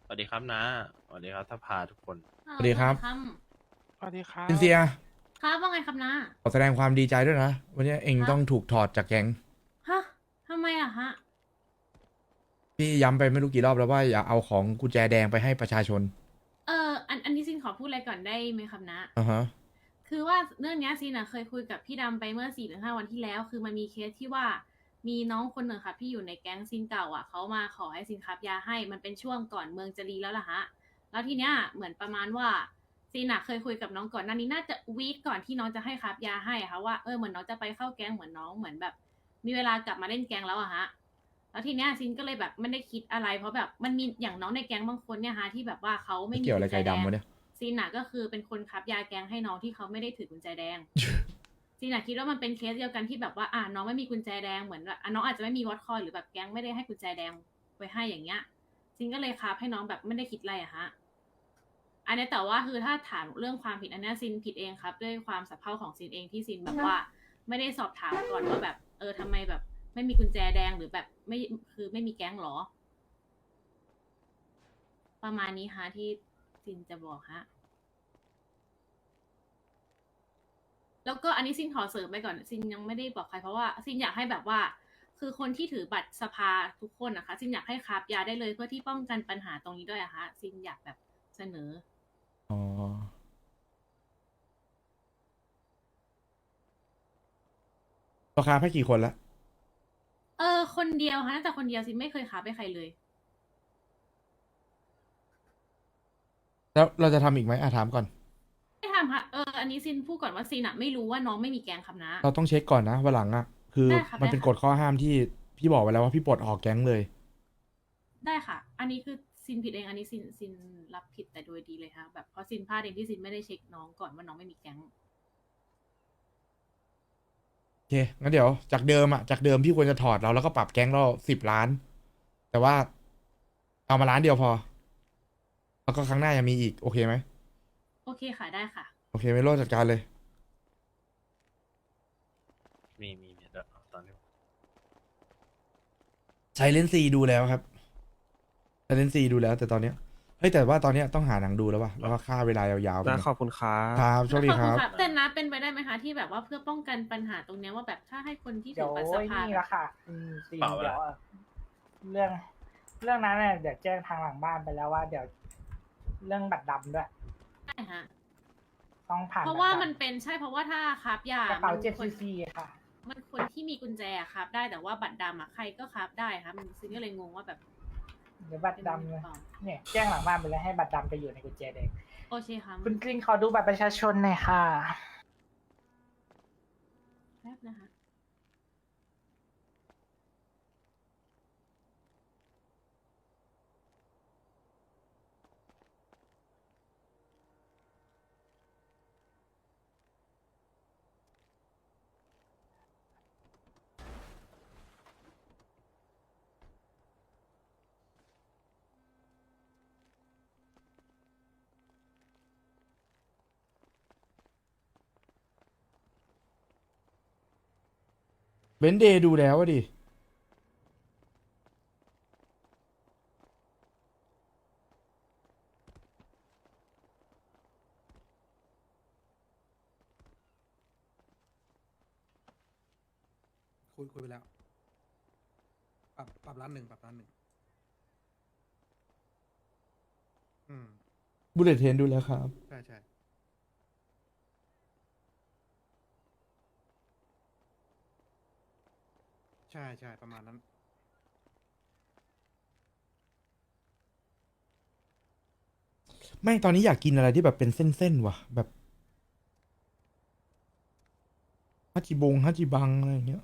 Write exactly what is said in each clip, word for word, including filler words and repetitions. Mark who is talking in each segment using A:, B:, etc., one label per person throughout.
A: สวัสดีครับนะสวัสดีครับถ้าพาทุกคน
B: เออ
C: สวัสดีครับ
B: ครับ
D: สวัสดีครั
C: ซินเซีย
D: บ
B: ครับว่าไงครับนะ
C: ขอแสดงความดีใจด้วยนะวันนี้เอง
B: ครับ
C: ต้องถูกถอดจากแก๊ง
B: ฮะทำไมอะฮะ
C: พี่ย้ำไปไม่รู้กี่รอบแล้วว่าอย่าเอาของกุญแจแดงไปให้ประชาชน
B: เอออันอันนี้ซินขอพูดอะไรก่อนได้ไหมครับนะ
C: อ่าฮะ
B: คือว่าเรื่องเนี้ยซินอะเคยคุยกับพี่ดำไปเมื่อสี่หรือห้าวันที่แล้ว คือมันมีเคสที่ว่ามีน้องคนหนึ่งค่ะที่อยู่ในแก๊งซินเก่าอะเขามาขอให้ซินครับยาให้มันเป็นช่วงก่อนเมืองจะรีแล้วล่ะฮะแล้วทีเนี้ยเหมือนประมาณว่าซินอะเคยคุยกับน้องก่อนหน้านี้น่าจะวีคก่อนที่น้องจะให้ครับยาให้อะค่ะว่าเออเหมือนน้องจะไปเข้าแก๊งเหมือนน้องเหมือนแบบ มีเวลากลับมาเล่นแก๊งแล้วอะฮะ แล้วทีเนี้ยซินก็เลยแบบไม่ได้คิดอะไรเพราะแบบมันมีอย่างน้องในแก๊งบางคนเนี่ยฮะที่แบบว่าเขา
C: ไม่
B: ไม่มี
C: เกี่ยวอะไร
B: กุญแจแดง
C: ไก่ดำวะเนี่ย
B: ซินอะก็คือเป็นคนคับยาแก๊งให้น้องที่เขาไม่ได้ถือกุญแจแดงซินอะคิดว่ามันเป็นเคสเดียวกันที่แบบว่าอ่าน้องไม่มีกุญแจแดงเหมือนแบบอ่ะน้องอาจจะไม่มีวอตคอยหรือแบบแก๊งไม่ได้ให้กุญแจแดงไว้ให้อย่างเงี้ยซินก็เลยคับให้น้องแบบไม่ได้คิดอะไรอะฮะอันนี้แต่ว่าคือถ้าถามเรื่องความผิดอันนี้ซินผิดเองครับด้วยความสับเพร่าของซินเองที่ซินแบบว่าไม่ได้สอบถามก่อนว่าแบบเออทำไมแบบ ไม่มีกุญแจแดงหรือแบบไม่คือไม่มีแก๊งหรอ ประมาณนี้ฮะที่ซินจะบอกฮะแล้วก็อันนี้ซินขอเสริมไปก่อนซินยังไม่ได้บอกใครเพราะว่าซินอยากให้แบบว่า คือคนที่ถือบัตรสภาทุกคนนะคะซินอยากให้คราบยาได้เลยเพื่อที่ป้องกันปัญหาตรงนี้ด้วยอะคะซินอยากแบบเสนอ
C: อ๋อราคาให้กี่คนละ
B: เออคนเดียวฮะแต่คนเดียวซินไม่เคยคราบไปใครเลย
C: แล้วเราจะทำอีกไหมอ่ะถามก่อน
B: ไม่ทำค่ะเอออันนี้ซินพูดก่อนว่าซินอะไม่รู้ว่าน้องไม่มีแก๊งครับนะ
C: เราต้องเช็คก่อนนะวันหลังอ่ะคือ
B: ได้ค่ะ
C: มันเป็นกฎ
B: ได้ค่ะ
C: ข้อห้ามที่พี่บอกไว้แล้วว่าพี่ปลดออกแก๊งเลย
B: ได้ค่ะ อันนี้คือซินผิดเอง อันนี้ซินซินรับผิดแต่โดยดีเลยค่ะแบบเพราะซินพลาดเองที่ซินไม่ได้เช็คน้องก่อนว่าน้องไม่มีแก๊ง
C: โอเคงั้นเดี๋ยวจากเดิมอ่ะจากเดิมพี่ควรจะถอดเราแล้วก็ปรับแก๊งเราสิบล้านแต่ว่าเอามาล้านเดียวพอแล้วก็ครั้งหน้ายังมีอีกโอเคไหม
B: โอเคค่ะได้ค่ะ
C: โอเคไม่โลดจัดการเลย
A: มีมีมีเดี๋ยวเอาตอนนี้
C: ไซเลนซีดูแล้วครับไซเลนซีดูแล้วแต่ตอนเนี้ยเฮ้ยแต่ว่าตอนเนี้ยต้องหาหนังดูแล้วว่ะแล้วก็ฆ่าเวลายาวๆไป
D: นะ
C: หน่อย
D: ขอบคุณครั
C: ค
D: บ
C: รับโชคดี
B: ขอบ
C: ครับ
B: คุณค่ะแต่นะเป็นไปได้ไหมคะที่แบบว่าเพื่อป้องกันปัญหาตรงเนี้ยว่าแบบถ้าให้คนที่ถื
E: เดี๋ยว
B: อบัตรสภา
E: นี่ละค่ะอืมซี
A: เปล่า
E: เดี๋ยว
A: ละ
E: อะเรื่อง เรื่องนั้นเนี่ยเดี๋ยวแจ้งทางหลังบ้านไปแล้วว่า เดี๋ยวเรื่องบัตรดำด้วย
B: ได้ฮะ
E: ต้องผ่าน
B: เพราะ
E: บัต
B: ว่า
E: ดำ
B: มันเป็นใช่เพราะว่าถ้าครับยาก
E: ระเป๋า
B: มัน
E: เจ็ด
B: ค
E: ซี
B: น
E: ซีค่ะ
B: มันคนที่มีกุญแจครับได้แต่ว่าบัตรดำอะใครก็ครับได้ครับมันซินก็เลยงงว่าแบบ
E: เดี๋ยวบัตร
B: เป็นยังไง
E: ดำ
B: หรื
E: เล
B: อย เปล่า
E: เนี่ย แจ้งหลังบ้านไปแล้วให้บัตรดำไปอยู่ในกุญแจแดง
B: โอเคครับ
E: คุณกริงขอดูบัตรประชาชนหน่อยค่ะ
B: แป๊บนะคะ
C: เบนเดย์ดูแล้วอะดิคุยคุยไปแล้วปรับปรับร้านหนึ่งปรับร้านหนึ่งอืมบุลเลตเทนดูแล้วครับใช่ใช่ใช่ใช่ประมาณนั้นไม่ตอนนี้อยากกินอะไรที่แบบเป็นเส้นๆว่ะแบบฮัจิบงฮัจิบังอะไรอย่างเงี้ย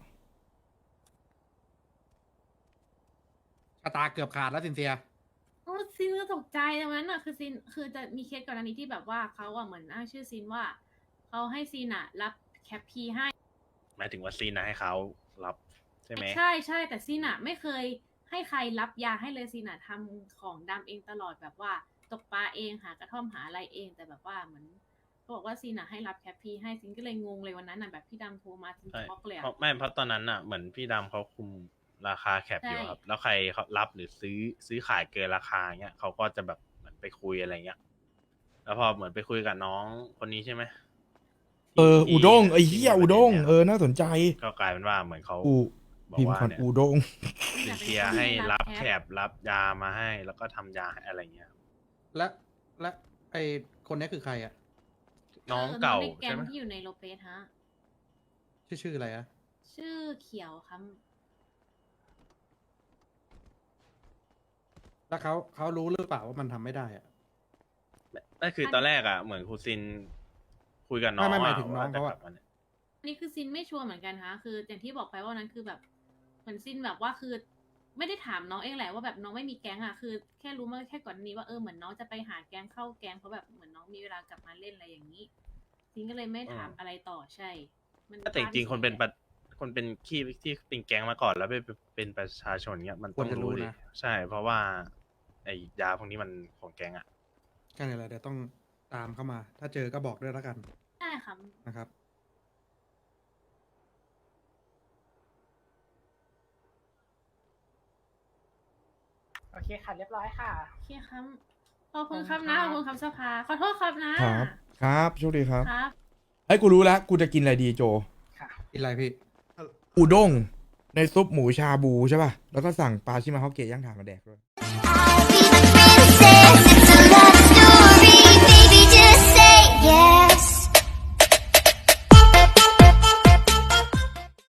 C: ชะตาเกือบขาดแล้วสินเซีย
B: โอ้ซินก็ตกใจตรงนั้นอ่ะคือซินคือจะมีเคสก่อนอันนี้ที่แบบว่าเขาอ่ะเหมือนอ้างชื่อซินว่าเขาให้ซินอ่ะรับแคปพีให้
A: หมายถึงว่าซีนนะให้เขารับใช่ไหม
B: ใช่ใช่แต่ซินอ่ะไม่เคยให้ใครรับยาให้เลยซินอ่ะทำของดำเองตลอดแบบว่าตกปลาเองหากระท่อมหาอะไรเองแต่แบบว่าเหมือนเขาบอกว่าซินอ่ะให้รับแคปพีให้ซินก็เลยงงเลยวันนั้นอ่ะแบบพี่ดำโทรมาซิน
A: ใช่
B: ช็อกเลย
A: เพ
B: อ่ะ
A: ราะไม่เพราะตอนนั้นอ่ะเหมือนพี่ดำเขาคุมราคาแคปอยู่ครับ แล้วใครเขารับหรือซื้อซื้อขายเกินราคาเงี้ยเขาก็จะแบบเหมือนไปคุยอะไรเงี้ย แล้วพอเหมือนไปคุยกับน้องคนนี้ใช่ไหม
C: เออ
A: ที่
C: อูด้ง
A: ที่
C: ไอ้เหี้ย
A: ที่
C: อูด้ง
A: ประด็นนี่ย
C: เออน่าสนใจ
A: ก็กลายเป็นว่าเหมือนเขา
C: อู
A: บอก
C: พิมพ์
A: ว่า
C: ก่อน
A: เนี่ย
C: อูด้ง
A: เป็นเชียร์ให้รับแคปรับยามาให้ แล้วก็ทำยาให้อะไรเงี้ย
D: และและไอคนนี้คือใครอะ
A: น้องเก่า
B: ในแก๊
A: ใช่
B: ง
A: ไหม
B: ที่อยู่ในโลเปสฮะ
D: ชื่อชื่ออะไรอะ
B: ชื่อเขียวครับ
D: แล้วเขาเขารู้หรือเปล่าว่ามันทำไม่ได้อะ
A: นั่นคือตอนแรกอ่ะเหมือนครูซินคุยกับน้อง
D: ไม่ไม่หมาย
A: อะ
D: ถึงน้อง
A: ว่จะ
D: เขา
A: ก
D: อะ
A: ลับมาเนี่ย
B: อันนี้คือซินไม่ชัวร์เหมือนกันฮะ คืออย่างที่บอกไปว่าวันนั้นคือแบบเหมือนซินแบบว่าคือ ไม่ได้ถามน้องเองแหละว่าแบบน้องไม่มีแก๊งอ่ะ คือแค่รู้มาแค่ก่อนนี้ว่าเออเหมือนน้องจะไปหาแก๊งเข้าแก๊งเพราะแบบเหมือนน้องมีเวลากลับมาเล่นอะไรอย่างนี้ ซินก็เลยไม่ถามอะไรต่อใช่มัน
A: แต่จริงๆคนเป็นประคนเป็นขี้ที่เป็นแก๊งมาก่อนแล้วไปเป็นประชาชนเงี้ยมันต้องรู้ดิใช่ เพราะว่าไอ้ยาพวกนี้มันของแก๊งอ่ะ
D: ก็เนี่ยแหละเดี๋ยวต้องตามเข้ามา ถ้าเจอก็บอกด้วยแล้วกัน
B: ใช่ครับ
D: นะครับ
E: โอเคค่ะเรียบร้อยค่ะ
B: โอเคครับขอบคุณครับ
E: ขอบคุณ
B: นะ
E: ค
B: ข
E: รับ
B: อบคุณครับสภาขอโทษครับนะครับ
C: ครับโชคดีครับ
B: ครับ
C: ไอ้ยกูรู้แล้ว กูจะกินอะไรดีโจ
E: ค่ะ
D: กินอะไรพี่
C: อูด้งในซุปหมูชาบูใช่ป่ะ แล้วก็สั่งปลาชิมาฮอกเกะย่างถ่านมาแดกด้วย